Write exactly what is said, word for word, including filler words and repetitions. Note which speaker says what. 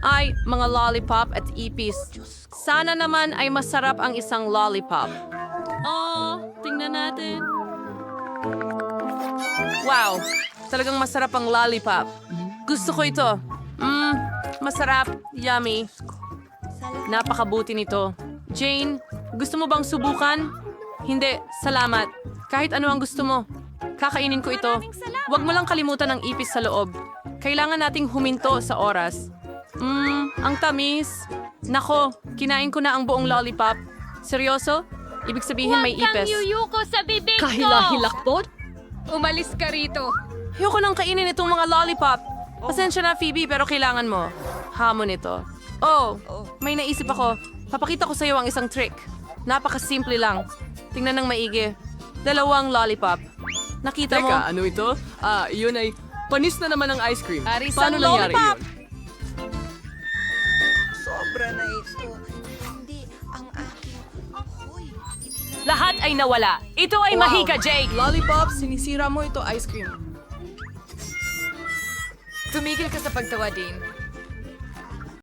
Speaker 1: ay mga lollipop at ipis. Sana naman ay masarap ang isang lollipop. Oh, tingnan natin. Wow, talagang masarap ang lollipop. Gusto ko ito. Mmm, masarap, yummy. Napakabuti nito. Jane, gusto mo bang subukan? Hindi, salamat. Kahit ano ang gusto mo. Kakainin ko ito. Huwag mo lang kalimutan ang ipis sa loob. Kailangan nating huminto sa oras. Mmm, ang tamis. Nako, kinain ko na ang buong lollipop. Seryoso? Ibig sabihin may
Speaker 2: Huwag kang
Speaker 1: ipis.
Speaker 2: yuyuko sa bibig ko!
Speaker 3: Kahila-hilakbot?
Speaker 2: Umalis ka rito.
Speaker 1: Ayoko nang kainin itong mga lollipop. Pasensya na, Phoebe, pero kailangan mo. Hamon ito. Oh, may naisip ako. Papakita ko sa iyo ang isang trick. Napakasimple lang. Tingnan ng maigi. Dalawang lollipop. Nakita mo?
Speaker 4: Teka, ano ito? Ah, yun ay panis na naman ng ice cream.
Speaker 1: Arisang
Speaker 4: Paano nangyari
Speaker 1: lollipop!
Speaker 4: yun?
Speaker 5: Sobra na ito. Hindi ang aking... Hoy,
Speaker 2: Lahat ay nawala. Ito ay mahika, Jake.
Speaker 4: Lollipop, sinisira mo ito ice cream.
Speaker 2: Tumigil ka sa pagtawa, Dean.